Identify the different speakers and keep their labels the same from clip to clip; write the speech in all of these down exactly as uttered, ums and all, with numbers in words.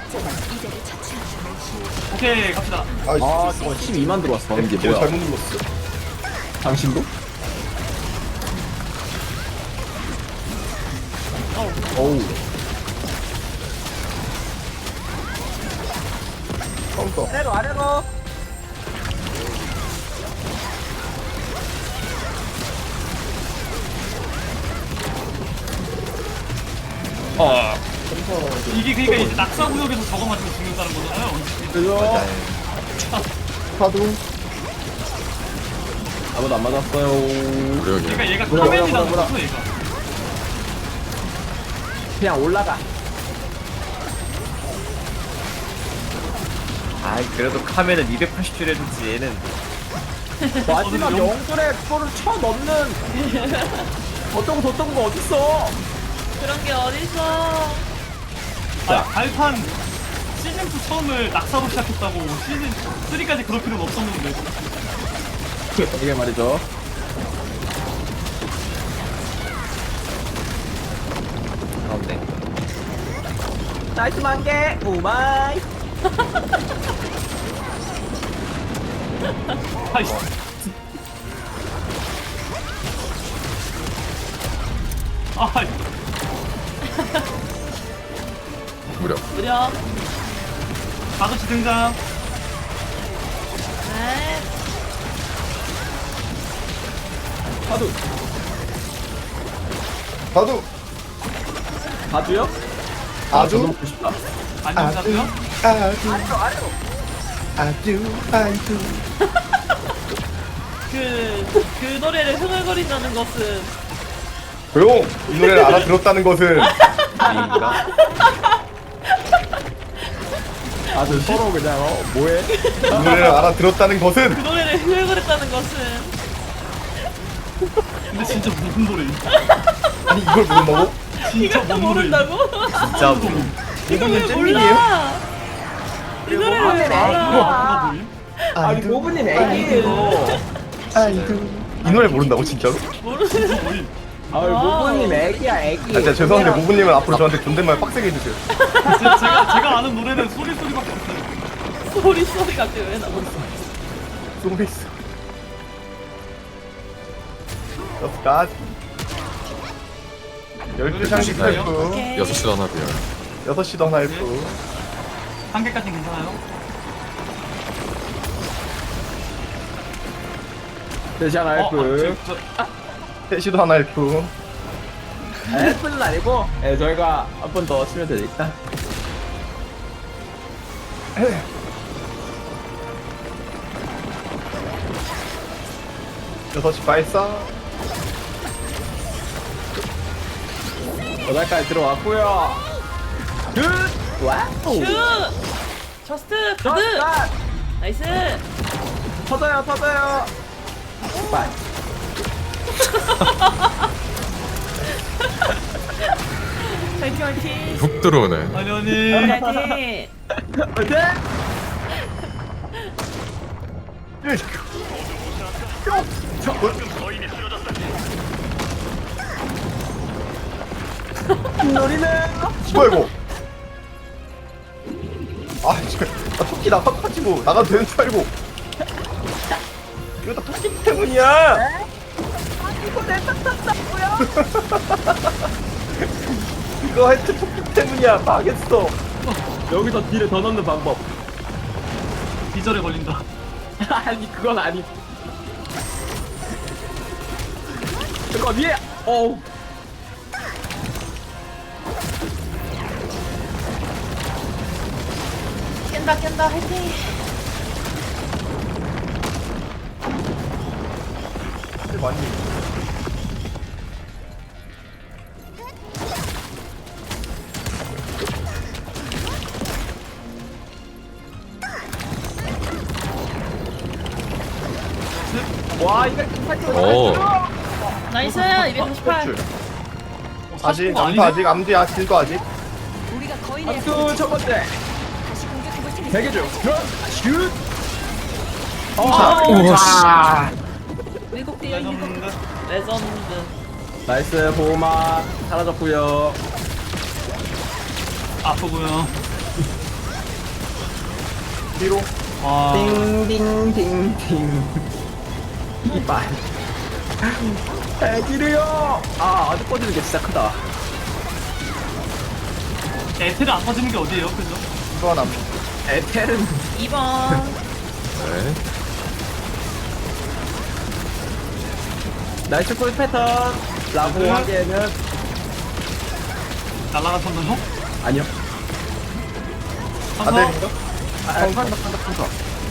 Speaker 1: 오케이 갑시다.
Speaker 2: 아 저거 십이만 들어왔어. 이게
Speaker 3: 제가
Speaker 2: 뭐야?
Speaker 3: 잘못 눌렀어.
Speaker 2: 당신도? 어우.
Speaker 3: 카운터.
Speaker 2: 아래로 아래로.
Speaker 1: 어. 이게 그러니까 이제 낙사 구역에서 저거 맞으면 죽는다는 거잖아요.
Speaker 2: 그죠?
Speaker 3: 파도.
Speaker 2: 아무도 안 맞았어요.
Speaker 1: 그러니까 얘가
Speaker 2: 뭐라,
Speaker 1: 카멘이라는
Speaker 2: 뭐라,
Speaker 1: 거죠, 얘가.
Speaker 2: 그냥 올라가.
Speaker 4: 아이 그래도 카멘은 이백팔십 줄 해줬지 얘는.
Speaker 2: 마지막 영절에 그거를 쳐 넣는 어떤 거 저떤 거 어딨어?
Speaker 5: 그런 게 어딨어.
Speaker 1: 아, 발판 시즌 투 처음을 낙사로 시작했다고 시즌 쓰리까지 그럴 필요는 없었는데.
Speaker 2: 이게 말이죠.
Speaker 4: 가운데.
Speaker 2: 나이스 만개 오마이.
Speaker 1: 아이씨. 아,
Speaker 4: 무려.
Speaker 5: 무려.
Speaker 1: 아저씨 등장.
Speaker 5: 네.
Speaker 2: 파도.
Speaker 3: 파도.
Speaker 2: 파도요?
Speaker 3: 아주.
Speaker 2: 저도 먹고 싶다.
Speaker 1: 안녕 가세요.
Speaker 3: 아주.
Speaker 2: 아래로 아래로.
Speaker 3: 아주. 아주.
Speaker 5: 그, 그 노래를 흥얼거린다는 것은
Speaker 3: 조용. 이 노래를 알아들었다는 것은
Speaker 4: 아닌가?
Speaker 2: 아주 서로 그냥 어 뭐해?
Speaker 3: 이 노래를 알아들었다는
Speaker 5: 그
Speaker 3: 것은
Speaker 5: 노래를 흥얼거렸다는 것은
Speaker 1: 근데 진짜 무슨 노래?
Speaker 3: 아니 이걸 모른다고?
Speaker 1: 진짜
Speaker 5: 이것도
Speaker 1: 뭔 노래?
Speaker 5: 모른다고?
Speaker 4: 진짜 뭐.
Speaker 5: 이걸 왜
Speaker 3: 잼민이에요?
Speaker 5: 몰라? 이 노래를 왜
Speaker 2: 아,
Speaker 5: 몰라?
Speaker 1: 누가 뭐임?
Speaker 2: 아니 고분님 애기예요.
Speaker 3: 아이고. 이 노래 모른다고 진짜로?
Speaker 5: 모르는
Speaker 1: 뭐임?
Speaker 2: 아유 고분님 애기야 애기.
Speaker 3: 아, 진짜 죄송한데 모부님은 앞으로 저한테 존댓말 빡세게 해주세요.
Speaker 1: 제- 제가 제가 아는 노래는 소리 소리밖에 없어요.
Speaker 5: 소리 소리 갑자기 왜 나오지?
Speaker 3: 쏘고 있어. 여기까지. 열두 장식
Speaker 1: 있어요?
Speaker 3: 헬프.
Speaker 5: 오케이.
Speaker 4: 여섯 시도 하나 비어.
Speaker 3: 여섯 시도 하나 헬프.
Speaker 1: 한 개까지 괜찮아요?
Speaker 2: 대시한
Speaker 1: 어,
Speaker 2: 알프.
Speaker 1: 저, 저,
Speaker 3: 세 시도 하나 헬프.
Speaker 2: 알프는 아니고. 예 저희가 한 번 더 치면 되니까.
Speaker 3: 여섯 시 발사.
Speaker 2: 여덟까지 들어왔고요. 굿. 와우.
Speaker 5: 슈! 저스트 가드!
Speaker 2: 자,
Speaker 5: 나이스!
Speaker 2: 터져요 터져요. 빨.
Speaker 5: 화이팅 화이팅!
Speaker 4: 훅 들어오네.
Speaker 1: 아니 아니.
Speaker 5: 화이팅!
Speaker 2: 화이팅! 노리는
Speaker 3: 뭐야 이거? 아 지금 나 토끼 나가가지고 나가도 되는 줄 알고. 이거 다 토끼 때문이야.
Speaker 2: 이거 내 땄다고요?
Speaker 3: 이거 하여튼 토끼 때문이야. 망했어.
Speaker 2: 여기서 딜을 더 넣는 방법.
Speaker 1: 비절에 걸린다.
Speaker 2: 아니 그건 아니. 그거 위에. 어우.
Speaker 5: 깬다 깬다 화이팅!
Speaker 3: 많이.
Speaker 2: 와 이거
Speaker 4: 오.
Speaker 5: 나이스! 이백사십팔!
Speaker 3: 아직
Speaker 1: 거
Speaker 3: 암도 아직 암도야 길도 아직.
Speaker 2: 박수 첫 번째. 대기 중. 슛.
Speaker 5: 아,
Speaker 4: 오 씨.
Speaker 5: 왜곡되어 있는 것 레전드.
Speaker 2: 나이스 보호막 사라졌고요.
Speaker 1: 아프고요.
Speaker 3: 뒤로.
Speaker 1: 와.
Speaker 2: 띵띵띵띵. 이빨. 애기르요. 아 아직 꺼지는 게 진짜 크다.
Speaker 1: 에테를 안 터지는 게 어디예요, 그죠?
Speaker 3: 이거 하나.
Speaker 2: 에텔은
Speaker 5: 이 번.
Speaker 4: 네.
Speaker 2: 나이스 콜 패턴. 라고
Speaker 1: 네.
Speaker 2: 하기에는
Speaker 1: 날라간 선전호?
Speaker 2: 아니요.
Speaker 1: 선서?
Speaker 3: 아델인가?
Speaker 2: 아, 판다 판다 판다.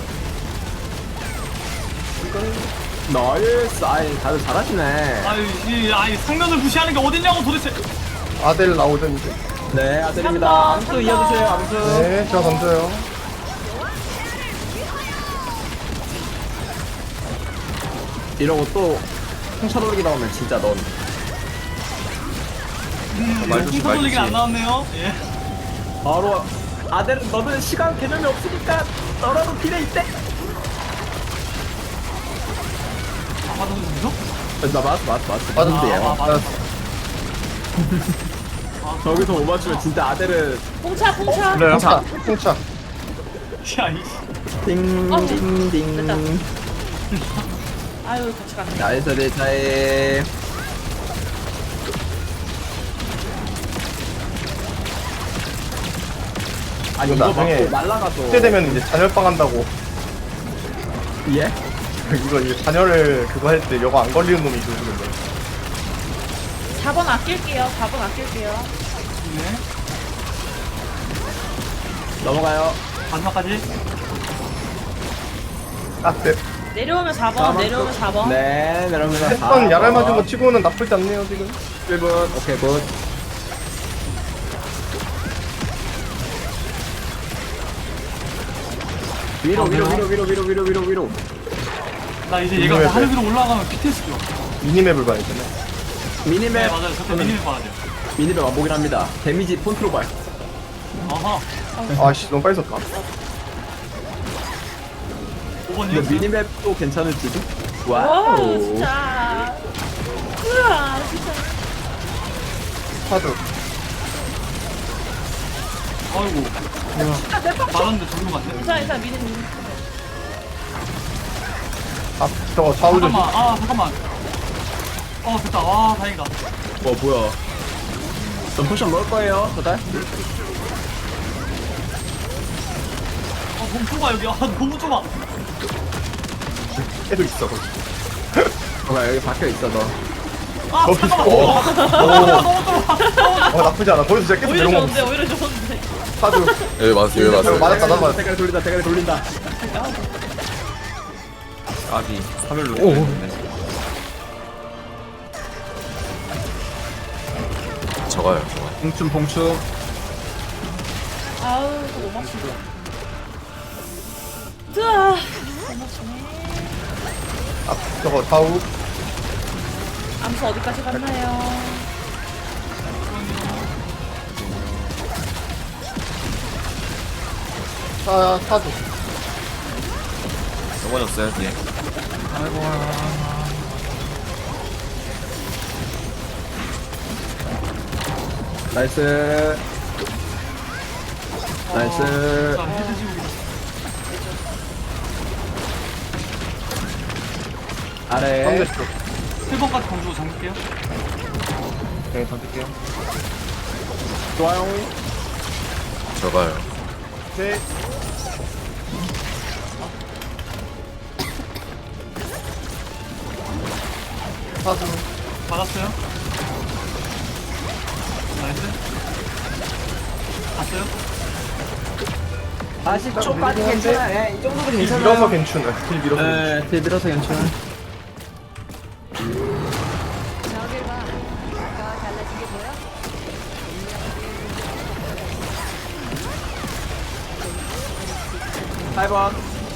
Speaker 2: 나이스. 아이 다들 잘하시네.
Speaker 1: 아유, 이, 아이, 상면을 무시하는 게 어딨냐고 도대체.
Speaker 3: 아델 나오든 이제.
Speaker 2: 네 아들입니다.
Speaker 5: 한 번,
Speaker 2: 암수
Speaker 5: 한
Speaker 2: 이어주세요.
Speaker 5: 번.
Speaker 2: 암수.
Speaker 3: 네, 제가 던져요.
Speaker 2: 이러고 또 홍차돌기 나오면 진짜 넌
Speaker 1: 음,
Speaker 4: 말 조심,
Speaker 1: 풍선
Speaker 4: 말
Speaker 1: 돌리기는 안
Speaker 4: 조심.
Speaker 1: 나왔네요. 예.
Speaker 2: 바로 아델은 너는 시간 개념이 없으니까 너라도 딜에 있대.
Speaker 1: 아, 맞았는데요?
Speaker 2: 나 맞았어 맞았어 맞았어
Speaker 3: 맞았어.
Speaker 2: 맞았는데요.
Speaker 1: 아, 맞았어.
Speaker 2: 저기서 못 맞추면 진짜 아델은
Speaker 5: 홍차, 홍차.
Speaker 3: 그래요? 차, 풍차.
Speaker 1: 야, 이.
Speaker 2: 띵띵띵.
Speaker 5: 됐다. 아유, 같이 갔네.
Speaker 2: 나이스 대차에 아니 이거
Speaker 3: 나중에
Speaker 2: 맞고 날라가서
Speaker 3: 그때 되면 이제 잔열빵 한다고.
Speaker 2: 예?
Speaker 3: 이거 이제 잔열을 그거 할 때 이거 안 걸리는 놈이 있거든요.
Speaker 5: 사 번 아낄게요. 사 번 아낄게요.
Speaker 1: 네.
Speaker 2: 넘어가요.
Speaker 1: 마지막까지.
Speaker 3: 딱 돼.
Speaker 5: 내려오면 사 번, 내려오면 사 번.
Speaker 2: 네 내려오면
Speaker 3: 했던 야랄 맞은 거 치고는 나쁘지 않네요 지금.
Speaker 2: 일 분 오케이 굿. 위로 위로 위로 위로 위로 위로 위로 위로.
Speaker 1: 나 이제 얘가
Speaker 3: 이거야,
Speaker 1: 하늘 위로 올라가면 피티에스 좋아.
Speaker 3: 미니맵을 봐야 되네.
Speaker 2: 미니맵
Speaker 1: 네, 맞아요. 저때 미니맵 봐야 돼요.
Speaker 2: 미니맵 완복이라 합니다. 데미지 폰트로 발.
Speaker 1: 어허.
Speaker 3: 아씨 너무 빨리 썼다.
Speaker 1: 오 번이요?
Speaker 2: 근데 미니맵도 괜찮을지도.
Speaker 5: 와,
Speaker 2: 와우.
Speaker 5: 진짜. 우와, 진짜.
Speaker 3: 카드.
Speaker 1: 아이고. 말았는데 저기로 갔네.
Speaker 5: 괜찮아, 괜찮아. 미는, 미는.
Speaker 3: 아 저거 좌우 조심.
Speaker 1: 잠깐만, 아, 잠깐만. 어, 됐다. 와, 다행이다.
Speaker 2: 뭐 뭐야? 전 포션 먹을 거예요, 저달.
Speaker 1: 어, 너무 좁아, 여기. 아, 너무 좁아.
Speaker 3: 계속 있어 거기.
Speaker 2: 뭐가 여기 박혀 있어 너.
Speaker 1: 아,
Speaker 3: 거기
Speaker 1: 잠깐만.
Speaker 3: 있어.
Speaker 1: 어, 너무 좁아.
Speaker 3: 어 나쁘지 않아. 거기서 진짜 계속
Speaker 5: 오히려
Speaker 3: 내려오고
Speaker 5: 좋은데,
Speaker 3: 있어.
Speaker 5: 오히려 좋은데.
Speaker 3: 카드.
Speaker 4: 여기 맞았어요, 여기 맞았어요.
Speaker 3: 맞았다, 나도 맞았다.
Speaker 2: 대가리 돌린다, 대가리 돌린다.
Speaker 6: 아비 사멸로
Speaker 4: 오.
Speaker 6: 됐네.
Speaker 4: 저가요, 저가.
Speaker 2: 봉춤 봉춤.
Speaker 5: 아우, 이거 못 맞춘다. 으아, 못 맞추네.
Speaker 3: 아 저거 좌우.
Speaker 5: 암수 어디까지 갔나요?
Speaker 3: 사 사두.
Speaker 6: 넘어졌어요 뒤에.
Speaker 2: 나이스. 나이스.
Speaker 1: 자, 헤드 지우기.
Speaker 2: 아래.
Speaker 3: 반대쪽.
Speaker 1: 칠 번까지 던지고 잠길게요.
Speaker 3: 네 던질게요.
Speaker 2: 좋아요.
Speaker 4: 저가요.
Speaker 3: 네. 사두.
Speaker 1: 받았어요. 나이스. 갔어요?
Speaker 2: 아십 초까지 괜찮아. 예, 이 정도도
Speaker 3: 길
Speaker 2: 괜찮아.
Speaker 3: 밀어서 괜찮아. 길 밀어서.
Speaker 2: 네, 딜 밀어서 괜찮아. 팔 번.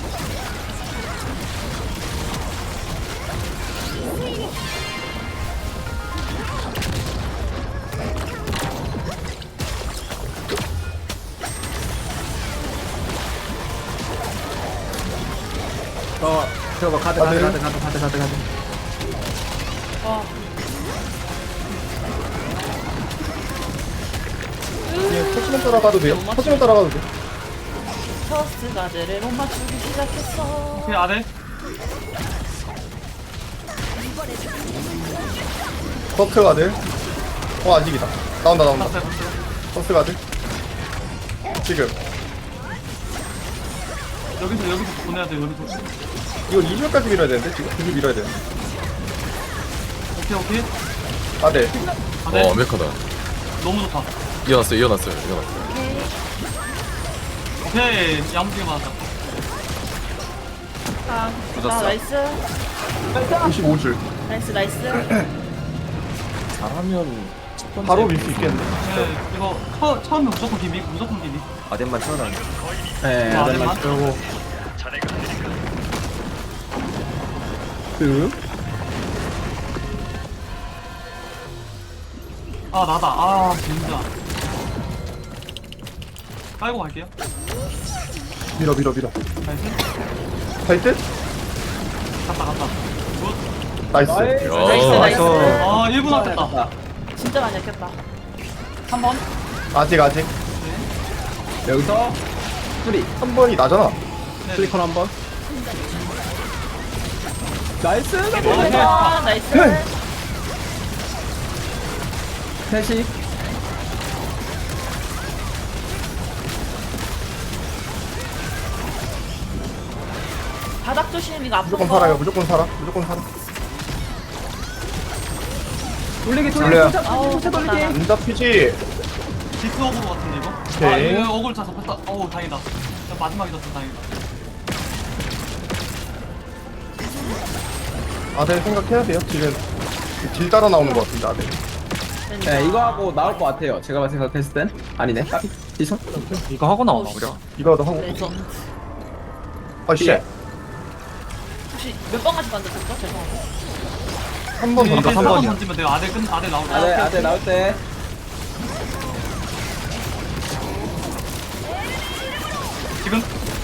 Speaker 2: 어, 저거 카드, 카드, 카드, 카드, 카드, 카드, 카드.
Speaker 5: 와,
Speaker 3: 예, 터치면 따라가도 돼요. 터치면 따라가도 돼.
Speaker 5: 퍼스트 가드를 못 맞추기 시작했어.
Speaker 1: 오케이 아래.
Speaker 3: 커트 가드. 어 아직이다. 나온다 나온다.
Speaker 1: 봤어요 봤어요.
Speaker 3: 커트 가드. 지금.
Speaker 1: 여기서 여기서 보내야 돼 여기서.
Speaker 3: 이거 이 줄까지 밀어야 되는데 지금 두 줄 밀어야 돼.
Speaker 1: 오케이 오케이.
Speaker 3: 아 네.
Speaker 1: 아,
Speaker 4: 어
Speaker 1: 네.
Speaker 4: 완벽하다.
Speaker 1: 너무 좋다.
Speaker 4: 이어났어요 이어났어요 이어났어요.
Speaker 5: 오케이.
Speaker 1: 오케이 야무지게 맞았다.
Speaker 5: 아,
Speaker 6: 맞았어.
Speaker 5: 아 나이스.
Speaker 3: 이십오 줄.
Speaker 5: 나이스 나이스.
Speaker 6: 잘하면 첫 번째
Speaker 3: 바로 밀 수 있겠네.
Speaker 1: 네 이거 처, 처음에 무조건 기믹 무조건 기믹.
Speaker 6: 아덴만 채워놔.
Speaker 2: 네,
Speaker 1: 아,
Speaker 2: 아덴만
Speaker 1: 아덴만?
Speaker 2: 채우고. 그
Speaker 1: 아 나다. 아 진짜. 깔고 갈게요.
Speaker 3: 밀어 밀어 밀어.
Speaker 1: 나이스.
Speaker 3: 갈 듯?
Speaker 1: 갔다 갔다. 굿.
Speaker 3: 나이스.
Speaker 5: 나이스
Speaker 4: 야.
Speaker 5: 나이스.
Speaker 1: 아 일 분 아꼈다.
Speaker 2: 다
Speaker 5: 진짜 많이 아꼈다.
Speaker 1: 한 번.
Speaker 3: 아직 아직.
Speaker 2: 여기서 뿌리
Speaker 3: 한 번이 나잖아.
Speaker 1: 네.
Speaker 2: 슬리컨 한 번. 나이스.
Speaker 1: 네.
Speaker 5: 아, 나이스.
Speaker 2: 셋이
Speaker 5: 바닥 조심 이거 아픈
Speaker 3: 무조건
Speaker 5: 거.
Speaker 3: 살아요. 무조건 살아. 무조건 살아.
Speaker 2: 돌리기
Speaker 3: 돌려요.
Speaker 2: 돌리기
Speaker 5: 아우,
Speaker 2: 돌리기 돌리기.
Speaker 5: 좋다.
Speaker 3: 안 잡히지.
Speaker 1: 디스 어글 같은데 이거?
Speaker 3: 오케이.
Speaker 1: 아 이거 어글 다 잡혔다. 어우 다행이다. 마지막에 잡혔 다행이다.
Speaker 3: 아들 생각해야 돼요. 지금 딜 따라 나오는 것 같은데 아들.
Speaker 2: 네, 이거 하고 나올 것 같아요. 제가 생각했을 땐 아니네. 까비. 디손.
Speaker 6: 이거 하고 나오나 우리가?
Speaker 3: 이거라도 하고.
Speaker 5: 레전드.
Speaker 3: 아 씨.
Speaker 5: 혹시 몇 번까지 만들었죠? 죄송합니다.
Speaker 3: 한 번 던져.
Speaker 1: 한
Speaker 3: 한
Speaker 1: 번
Speaker 3: 번이야.
Speaker 1: 던지면 돼요. 아들 끝 아들 나올 때.
Speaker 2: 아들 아들 나올 때.
Speaker 1: 지금.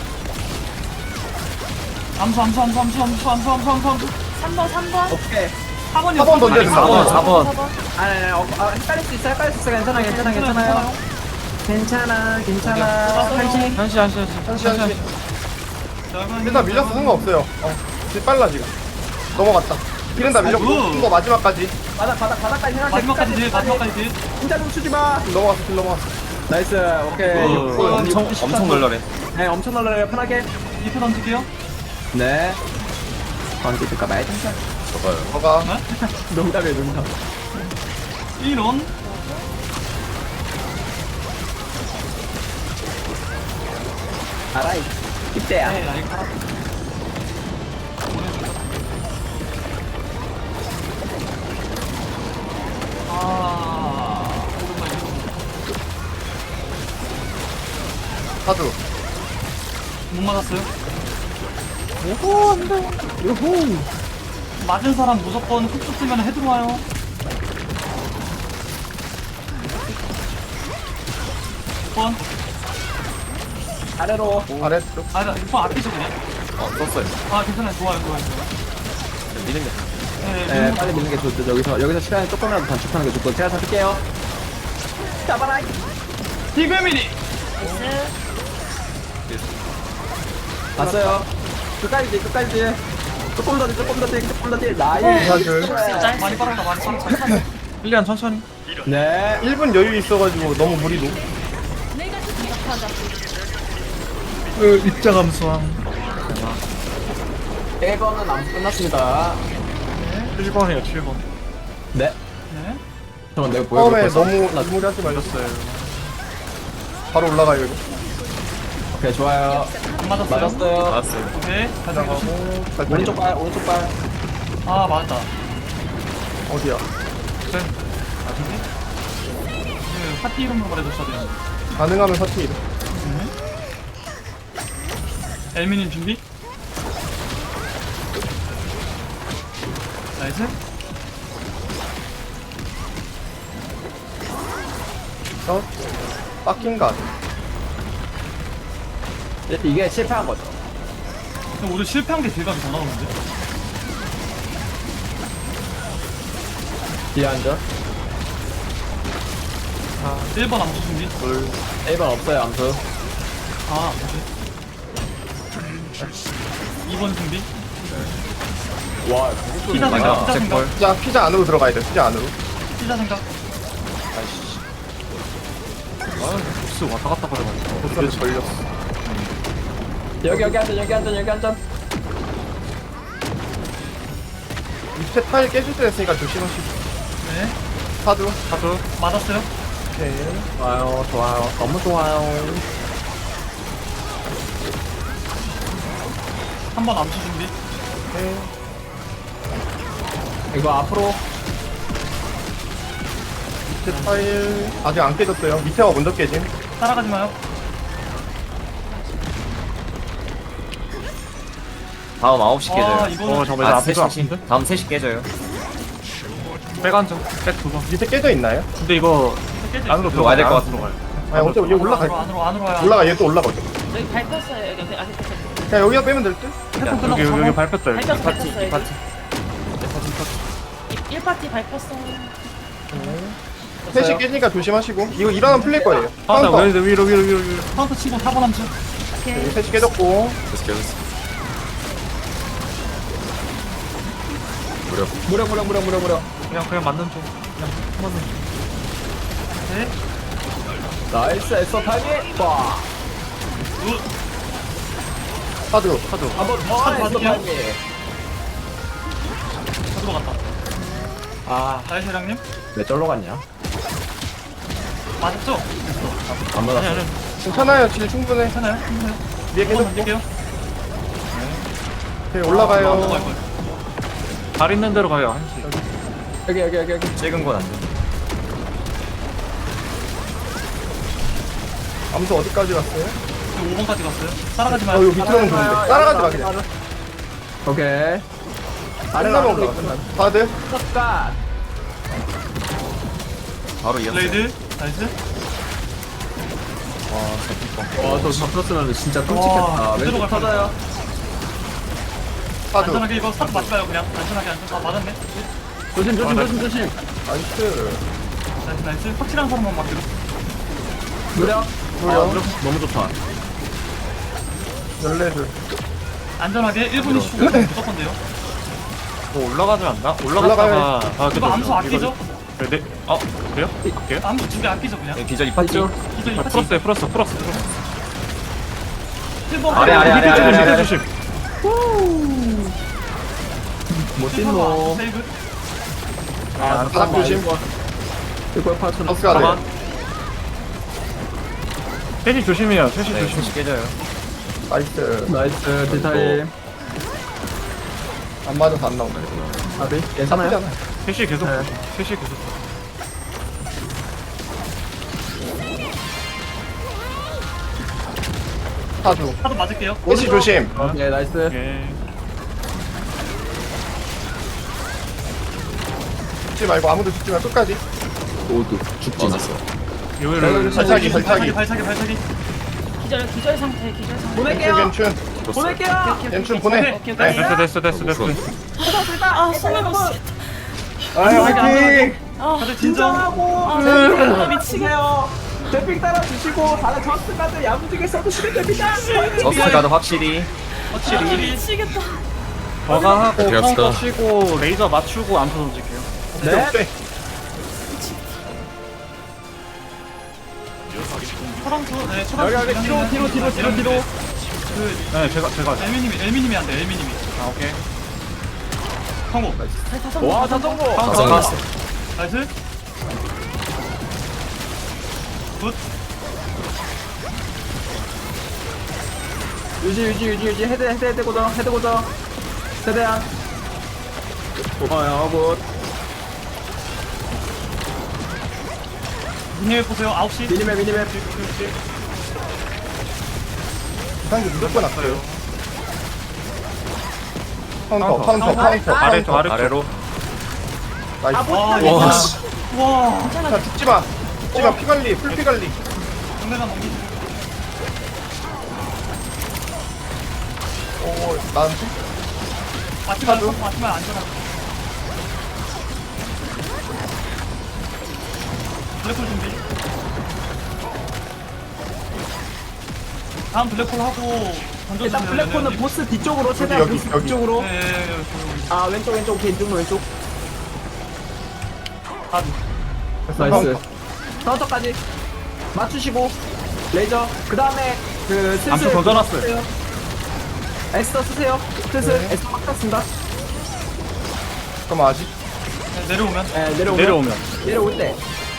Speaker 1: 암수 암수 암수 암수 암수 암수 암수 암수 암수.
Speaker 5: 삼 번 삼 번.
Speaker 2: 오케이.
Speaker 1: 사 번이요.
Speaker 3: 사번 던져야 돼, 사 번.
Speaker 6: 사 번.
Speaker 5: 사 번.
Speaker 2: 아니 아니 어, 아, 헷갈릴 수 있어 헷갈릴 수 있어 괜찮아 괜찮아 괜찮아요. 괜찮아 괜찮아. 한식.
Speaker 6: 한시 한시 한시.
Speaker 3: 한시 한시. 일단 밀렸어 상관없어요. 어. 딜 빨라 지금. 넘어갔다. 딜은 다 밀렸고
Speaker 1: 어,
Speaker 3: 이거 마지막까지.
Speaker 2: 바닥 바닥 바닥까지 생각해.
Speaker 1: 마지막까지 딜 마지막까지 딜.
Speaker 2: 진짜 좀 추지 마.
Speaker 3: 딜 넘어갔어. 딜 넘어갔어.
Speaker 2: 나이스 오케이.
Speaker 1: 어,
Speaker 6: 엄청 엄청 널널해.
Speaker 2: 네 엄청 놀라요 편하게.
Speaker 1: 이프 던질게요.
Speaker 2: 네. 던질까 봐야 돼.
Speaker 4: 저가요.
Speaker 3: 저가
Speaker 2: 농담이에요 농담.
Speaker 1: 이런.
Speaker 2: 알아이. 이때야.
Speaker 1: 네 라이크 하나. 아 오랜만에
Speaker 3: 사주.
Speaker 1: 못 맞았어요.
Speaker 2: 오호 안돼. 요호.
Speaker 1: 맞은 사람 무조건 훅 쓰면 헤드 와요. 번.
Speaker 2: 아래로.
Speaker 3: 아래쪽.
Speaker 1: 아, 나 이거 아끼죠 그냥.
Speaker 6: 어 썼어요.
Speaker 1: 아, 괜찮아요. 좋아요, 좋아요, 좋아요.
Speaker 6: 미는 게.
Speaker 1: 네,
Speaker 2: 네
Speaker 1: 네,
Speaker 2: 빨리 미는 게 좋죠. 여기서 여기서 시간이 조금이라도 단축하는 게 좋고 제가 잡을게요. 잡아라.
Speaker 1: 디그미니.
Speaker 5: 나이스.
Speaker 2: 봤어요. 끝까지 끝까지. 조금 더 뒤, 조금 더 뒤, 조금 더 뒤. 나이.
Speaker 3: 사주.
Speaker 1: 많이 빨았다, 많이 빨았다.
Speaker 6: 일리안 천천히.
Speaker 2: 네.
Speaker 3: 일 분 여유 있어가지고 너무 무리도.
Speaker 5: 하자.
Speaker 6: 그 입자 감소함.
Speaker 2: 일 번은 암수 끝났습니다.
Speaker 6: 칠 번이에요 칠 번.
Speaker 2: 네.
Speaker 1: 네.
Speaker 2: 잠깐 내가 보여.
Speaker 3: 처음에 너무 무리하지 말렸어요. 바로 올라가요 이거.
Speaker 2: 오케이 좋아요.
Speaker 1: 안 맞았어요.
Speaker 2: 맞았어요.
Speaker 6: 나왔어요.
Speaker 1: 오케이. 잘
Speaker 3: 나가고.
Speaker 1: 잡고.
Speaker 3: 갈
Speaker 2: 오른쪽 발 오른쪽 발.
Speaker 1: 아, 맞다.
Speaker 3: 어디야?
Speaker 1: 아닌데? 그, 파티 이름으로 말해줬어야 되는데.
Speaker 3: 가능하면 사투리.
Speaker 1: 엘미님 준비? 나이스.
Speaker 3: 어? 빡킹가.
Speaker 2: 이게 실패한 거죠.
Speaker 1: 그럼 오늘 실패한 게 대각이 더 나오는데?
Speaker 2: 뒤에 앉아.
Speaker 1: 일 번 암수 준비.
Speaker 3: 둘.
Speaker 2: 일 번 없어요 암수.
Speaker 1: 아, 뭐지? 이 번 준비.
Speaker 2: 와
Speaker 1: 피자 생각, 피자 생각,
Speaker 3: 피자 피자 안으로 들어가야 돼. 피자 안으로.
Speaker 1: 피자 생각.
Speaker 6: 복수 왔다 갔다 거려가지고.
Speaker 3: 보스를 걸렸어.
Speaker 2: 여기 여기 앉아 여기 앉아 여기 앉아.
Speaker 3: 밑에 타일 깨질 때 됐으니까 조심하시고.
Speaker 1: 네.
Speaker 3: 사두.
Speaker 6: 사두.
Speaker 1: 맞았어요.
Speaker 3: 오케이.
Speaker 2: 좋아요 좋아요 너무 좋아요.
Speaker 1: 한 번 암수 준비.
Speaker 3: 오케이.
Speaker 2: 이거 앞으로
Speaker 3: 밑에 타일 아직 안 깨졌어요. 밑에가 먼저 깨짐.
Speaker 1: 따라가지 마요.
Speaker 7: 다음 아홉 시
Speaker 1: 아,
Speaker 7: 깨져요.
Speaker 1: 이거는
Speaker 6: 어 잠깐만
Speaker 7: 아,
Speaker 6: 앞에서
Speaker 7: 셋이,
Speaker 6: 아픈데?
Speaker 7: 다음 셋 시 깨져요.
Speaker 6: 백안정. 백두 번.
Speaker 3: 밑에 깨져 있나요?
Speaker 6: 근데 이거
Speaker 1: 깨져
Speaker 6: 안으로
Speaker 7: 들어가야 될것
Speaker 6: 들어가요.
Speaker 7: 같은데.
Speaker 6: 들어가요.
Speaker 3: 아니 어차피 여기 올라갈
Speaker 1: 안으로,
Speaker 3: 거야.
Speaker 1: 안으로, 안으로 와요.
Speaker 3: 올라가 얘 또 올라가죠.
Speaker 5: 여기 밟혔어요. 여기 아직 밟혔어요.
Speaker 3: 그냥 여기다 빼면 될 듯?
Speaker 1: 태풍 끝나고
Speaker 6: 여기 여기
Speaker 1: 삼 번.
Speaker 6: 밟혔다 여기.
Speaker 5: 밟혔어,
Speaker 7: 파티,
Speaker 5: 밟혔어,
Speaker 7: 이 파티.
Speaker 5: 일 파티 밟혔어.
Speaker 3: 셋이 깨지니까 조심하시고. 이거 일어나면 풀릴 거예요.
Speaker 6: 아, 나
Speaker 3: 카운터.
Speaker 6: 위로 위로 위로 위로 위로.
Speaker 1: 카운터 치고 사 번 암수.
Speaker 3: 여기 셋이 깨졌고.
Speaker 4: 계속 계속. 무려.
Speaker 2: 무려 무려 무려 무려 무려.
Speaker 6: 그냥 그냥 맞는 중. 그냥 맞는 중.
Speaker 1: 네.
Speaker 2: 나이스 에서 타이밍. 와.
Speaker 3: 사두.
Speaker 2: 한번 더 에서
Speaker 1: 맞을게요.
Speaker 2: 타이밍.
Speaker 1: 다 들어갔다.
Speaker 2: 아,
Speaker 1: 나이스 회장님.
Speaker 2: 왜 쩔로 갔냐?
Speaker 1: 맞았죠?
Speaker 2: 안
Speaker 6: 아니
Speaker 2: 맞았어.
Speaker 6: 아니.
Speaker 3: 괜찮아요. 질 충분해.
Speaker 1: 괜찮아요? 괜찮아요?
Speaker 3: 위에
Speaker 1: 한번
Speaker 3: 깨졌고.
Speaker 1: 던질게요.
Speaker 3: 오케이,
Speaker 1: 안
Speaker 3: 올라가요.
Speaker 1: 넘어갈 거예요.
Speaker 6: 발 있는 대로 가요 한시.
Speaker 2: 여기 여기 여기 여기.
Speaker 7: 찍은 건 안 돼.
Speaker 3: 암수 어디까지 갔어요?
Speaker 1: 오 번까지 갔어요. 따라가지
Speaker 3: 어,
Speaker 1: 마요.
Speaker 3: 여기 밑으로는 좋은데. 따라가지 마, 그냥.
Speaker 2: 오케이.
Speaker 3: 끝나면 올라가. 사드.
Speaker 2: 섭가.
Speaker 7: 바로 이었어요.
Speaker 1: 블레이드. 나이스.
Speaker 2: 와저 잡혔으면 진짜 끔찍했다.
Speaker 1: 그대로
Speaker 2: 왼쪽
Speaker 1: 갈
Speaker 2: 터져요.
Speaker 3: 사두.
Speaker 1: 안전하게 이거 사도 맞지 마요 그냥. 안전하게 안전. 아 맞았네.
Speaker 2: 조심 조심
Speaker 6: 아,
Speaker 2: 조심 조심.
Speaker 3: 나이스.
Speaker 1: 나이스 나이스. 확실한 사람만 맡기로.
Speaker 2: 무려.
Speaker 3: 무려.
Speaker 2: 너무 좋다.
Speaker 3: 열네 줄.
Speaker 1: 안전하게 일 분 이십 초 무조건 돼요.
Speaker 6: 뭐 올라가지 않나?
Speaker 3: 올라가요.
Speaker 6: 올라갔다가 아
Speaker 1: 이거 암수 아끼죠?
Speaker 6: 네. 네. 어 그래요? 갈게요.
Speaker 1: 암수 두 개 아끼죠 그냥.
Speaker 7: 네, 기절 이 파티.
Speaker 2: 맞죠?
Speaker 1: 이거 이
Speaker 6: 아,
Speaker 1: 파티.
Speaker 6: 풀었어요 풀었어 풀었어 풀었어.
Speaker 1: 일 번
Speaker 7: 아래, 아래,
Speaker 6: 밑에
Speaker 7: 아래,
Speaker 6: 조심
Speaker 7: 아래,
Speaker 6: 밑에
Speaker 7: 아래.
Speaker 6: 조심.
Speaker 2: 못
Speaker 1: 일 번
Speaker 2: 뛴노.
Speaker 1: 세이브.
Speaker 2: 아,
Speaker 3: 바닥 조심.
Speaker 2: 이거 파츠.
Speaker 3: 버스가
Speaker 6: 가만.
Speaker 3: 돼.
Speaker 6: 셋이 조심해요. 셋이
Speaker 7: 네,
Speaker 6: 조심.
Speaker 7: 셋이 깨져요.
Speaker 3: 나이스.
Speaker 2: 나이스 디타임.
Speaker 3: 안 맞아서 안 나오네.
Speaker 2: 아비 괜찮아요?
Speaker 3: 나쁘잖아.
Speaker 6: 셋이 계속.
Speaker 2: 네.
Speaker 6: 셋이 계속.
Speaker 3: 사두.
Speaker 1: 사도 맞을게요.
Speaker 3: 셋이 조심.
Speaker 2: 오케이 나이스.
Speaker 6: 오케이.
Speaker 3: 죽지 말고 아무도 죽지 말고 끝까지.
Speaker 2: 오두
Speaker 4: 죽지 않았어.
Speaker 6: 요요요.
Speaker 3: 발차기,
Speaker 1: 발차기
Speaker 3: 발차기.
Speaker 1: 발차기 발차기.
Speaker 5: 기절 기절 상태 기절 상태.
Speaker 2: 보낼게요.
Speaker 3: 괜춘,
Speaker 2: 보낼게요.
Speaker 3: 괜춘 보내.
Speaker 1: 오케이
Speaker 6: 네,
Speaker 1: 오케이.
Speaker 6: 됐어 됐어 됐어 됐어.
Speaker 5: 아 숨을 못 쉬.
Speaker 3: 아유, 화이팅!
Speaker 1: 다들 진정.
Speaker 5: 아 미치겠어.
Speaker 2: 대핑 따라 주시고 다른 저스까지 야무지게 써주시면 됩니다.
Speaker 7: 저스트 가드 확실히.
Speaker 1: 확실히.
Speaker 5: 미치겠다.
Speaker 6: 저가 하고
Speaker 4: 어떻게 합시다.
Speaker 6: 카운터 치고 레이저 맞추고 암수 던질게요.
Speaker 2: 네.
Speaker 3: 네.
Speaker 1: 초랑수. 네
Speaker 2: 여기
Speaker 1: 초랑수.
Speaker 2: 여기 뒤로 뒤로 뒤로 뒤로 뒤로.
Speaker 1: 그
Speaker 6: 네 제가 제가.
Speaker 1: 엘미님이 엘미님이 안 돼. 엘미님이.
Speaker 6: 아 오케이.
Speaker 1: 성공.
Speaker 2: 와 자전거.
Speaker 4: 가서
Speaker 1: 나이스. 굿.
Speaker 2: 유지 유지 유지 유지 헤드 헤드 헤드 고정 헤드 고정. 최대한. 고마워요 굿.
Speaker 1: 미니맵 보세요. 아홉 시.
Speaker 2: 미니맵 미니맵.
Speaker 3: 상대 무조건 왔어요. 카운터, 카운터, 카운터.
Speaker 6: 아래쪽 아래쪽.
Speaker 7: 아래로.
Speaker 3: 나이스.
Speaker 1: 와,
Speaker 3: 와,
Speaker 1: 이거
Speaker 3: 씨.
Speaker 1: 와.
Speaker 3: 자, 죽지 마. 죽지 마. 피 관리, 풀피 관리.
Speaker 1: 정면만 넘기지.
Speaker 3: 오, 나한테?
Speaker 1: 맞지 말고 맞지만 안전하게. 블랙홀 준비. 다음 블랙홀 하고
Speaker 2: 일단 블랙홀은 보스 뒤쪽으로 최대한
Speaker 3: 여기,
Speaker 2: 보스
Speaker 3: 여기.
Speaker 2: 뒤쪽으로.
Speaker 1: 네, 네,
Speaker 2: 아 왼쪽 왼쪽 오케이 왼쪽 왼쪽.
Speaker 3: 됐어,
Speaker 2: 나이스.
Speaker 3: 카운터.
Speaker 2: 카운터까지 맞추시고 레이저. 그 다음에 그 슬슬
Speaker 6: 암수 던져놨어요.
Speaker 2: 쓰세요. 에스터 쓰세요. 슬슬
Speaker 3: 네.
Speaker 2: 에스터 막 탔습니다.
Speaker 3: 잠깐만 아직
Speaker 1: 네, 내려오면.
Speaker 2: 네, 내려오면
Speaker 6: 내려오면.
Speaker 2: 내려올 때.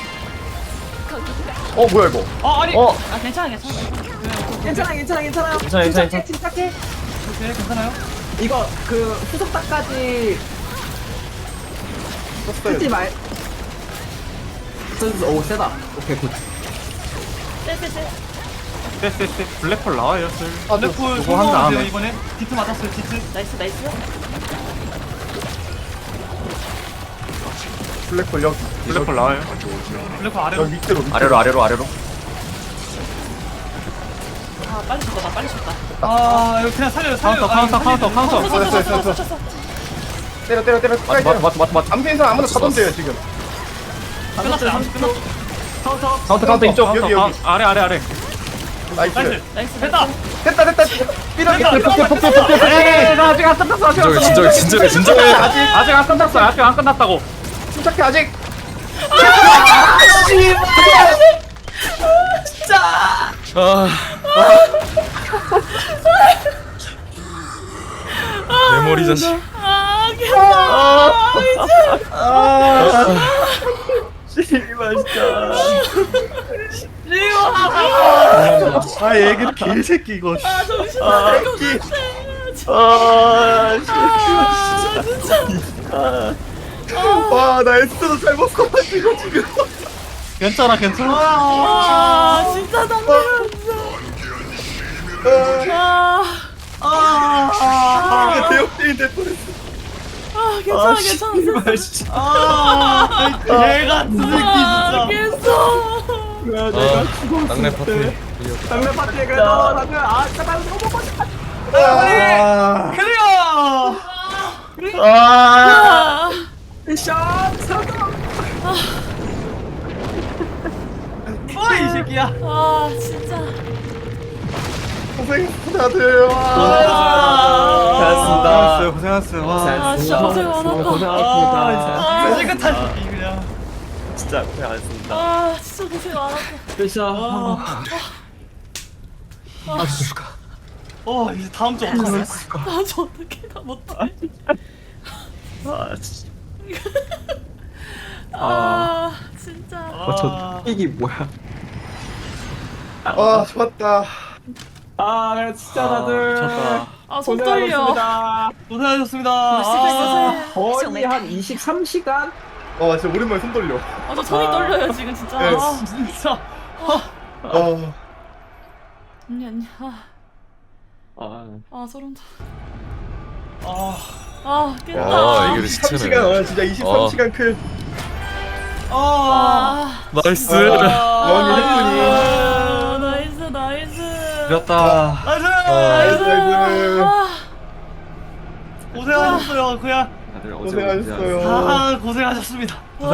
Speaker 3: 어 뭐야 이거
Speaker 1: 아, 아니.
Speaker 7: 어
Speaker 5: 아 괜찮아 괜찮아.
Speaker 2: 괜찮아 괜찮아 괜찮아요.
Speaker 7: 괜찮아, 괜찮아,
Speaker 2: 침착해 침착해.
Speaker 1: 오케이, 괜찮아요?
Speaker 2: 이거 그 후속닥까지
Speaker 3: 썼어요.
Speaker 2: 쓰지 말. 쓰- 오 세다. 오케이 굿.
Speaker 5: 쎄쎄쎄.
Speaker 6: 쎄쎄쎄. 블랙홀 나와요, 슬.
Speaker 3: 아, 네.
Speaker 1: 블랙홀
Speaker 6: 요거 한
Speaker 1: 성공하세요,
Speaker 6: 다음에.
Speaker 1: 이번에. 디트 맞았어요, 디트.
Speaker 5: 나이스 나이스.
Speaker 3: 블랙홀 여기
Speaker 6: 블랙홀 나와요.
Speaker 1: 블랙홀 아래로.
Speaker 3: 여기 밑으로 밑으로.
Speaker 7: 아래로 아래로 아래로.
Speaker 5: 아 빨리 쳤다 나 빨리 쳤다.
Speaker 1: 아, 이거 그냥 살려요, 살려요.
Speaker 6: 카운터,
Speaker 1: 아,
Speaker 6: 카운터,
Speaker 1: 이거
Speaker 6: 카운터,
Speaker 1: 살리면-
Speaker 6: 카운터.
Speaker 3: 됐어 됐어 됐어 됐어 때려 때려 때려
Speaker 7: 맞
Speaker 3: 끝까지
Speaker 7: 맞
Speaker 3: 때려
Speaker 7: 맞 맞 맞.
Speaker 3: 암수 인상 아무나 다 던져요 지금
Speaker 1: 끝났어요, 암수 끝났어.
Speaker 2: 카운터.
Speaker 7: 카운터 카운터 이쪽.
Speaker 3: 여기
Speaker 6: 카운터,
Speaker 3: 여기
Speaker 6: 카- 아래, 아래, 아래.
Speaker 3: 나이스
Speaker 1: 나이스.
Speaker 5: 나이스.
Speaker 1: 됐다.
Speaker 3: 됐다 됐다 삐져
Speaker 1: 됐다.
Speaker 3: 폭격 폭격 폭격
Speaker 6: 에이, 나 아직 안 끝났어, 아직 안
Speaker 4: 진정해
Speaker 6: 끝났어.
Speaker 4: 진정해 진정해 진정해.
Speaker 6: 아직 안 끝났어, 아직 안 끝났다고.
Speaker 3: 침착해 아직
Speaker 4: 아. 내 머리 자식.
Speaker 5: 아 괜찮아.
Speaker 3: 아 얘기를 개새끼 이거
Speaker 5: 아 정신 나갈 것 같아.
Speaker 3: 와나 에스도 잘못 써가지고 지금
Speaker 6: 괜찮아, 괜찮아.
Speaker 5: 아 진짜 당황했어. 아,
Speaker 3: 이게 대역대인 될 뻔했어
Speaker 5: 아 괜찮아 괜찮아.
Speaker 1: 아, 개 같은 새끼,
Speaker 5: 아
Speaker 1: 진짜.
Speaker 5: 알겠어.
Speaker 4: 아. 땅내 파티.
Speaker 2: 장례 파티에 그래도 다들 아 잠깐 너무 멋있다.
Speaker 3: 아
Speaker 1: 클리어!
Speaker 5: 아,
Speaker 2: 미션 성공.
Speaker 1: 뭐, 이 새끼야.
Speaker 5: 아 진짜.
Speaker 3: 고생했어 다들
Speaker 6: 고생하셨어요, 고생하셨어요. 와.
Speaker 5: 아 진짜 고생 많았다.
Speaker 2: 고생하셨습니다.
Speaker 1: 아, 깨끗한 새끼, 그냥.
Speaker 5: 아 진짜 고생 많았다.
Speaker 2: 미션.
Speaker 1: 어, 이제 다음 주 어떡하냐.
Speaker 5: 아저 어떻게 다 못해. 아 진짜.
Speaker 1: 아,
Speaker 2: 이게 뭐야?
Speaker 3: 아 좋았다
Speaker 2: 아 그래 진짜 다들
Speaker 6: 미쳤다.
Speaker 5: 아 손 떨려.
Speaker 2: 고생하셨습니다.
Speaker 1: 고생하셨습니다.
Speaker 5: 아,
Speaker 2: 거의 한 이십삼 시간?
Speaker 3: 와 진짜 오랜만에 손 떨려
Speaker 5: 아저 손이 떨려요 지금 진짜.
Speaker 3: 네.
Speaker 5: 아,
Speaker 1: 진짜.
Speaker 3: 어
Speaker 5: 아니 아니. 아,
Speaker 2: 아
Speaker 5: 아 소름 돋아.
Speaker 1: 아,
Speaker 5: 아 깼다.
Speaker 4: 아 이게
Speaker 3: 이십삼 시간
Speaker 4: 시체네.
Speaker 3: 어 진짜 이십삼 시간 클
Speaker 1: 아,
Speaker 5: 아,
Speaker 4: 나이스.
Speaker 3: 너무 예쁘니
Speaker 5: 아 나이스 나이스.
Speaker 6: 이겼다.
Speaker 1: 나이스!
Speaker 3: 나이스
Speaker 5: 아,
Speaker 1: 고생하셨어요, 그냥.
Speaker 2: 다들
Speaker 3: 고생하셨어요
Speaker 1: 아, 고생하셨습니다.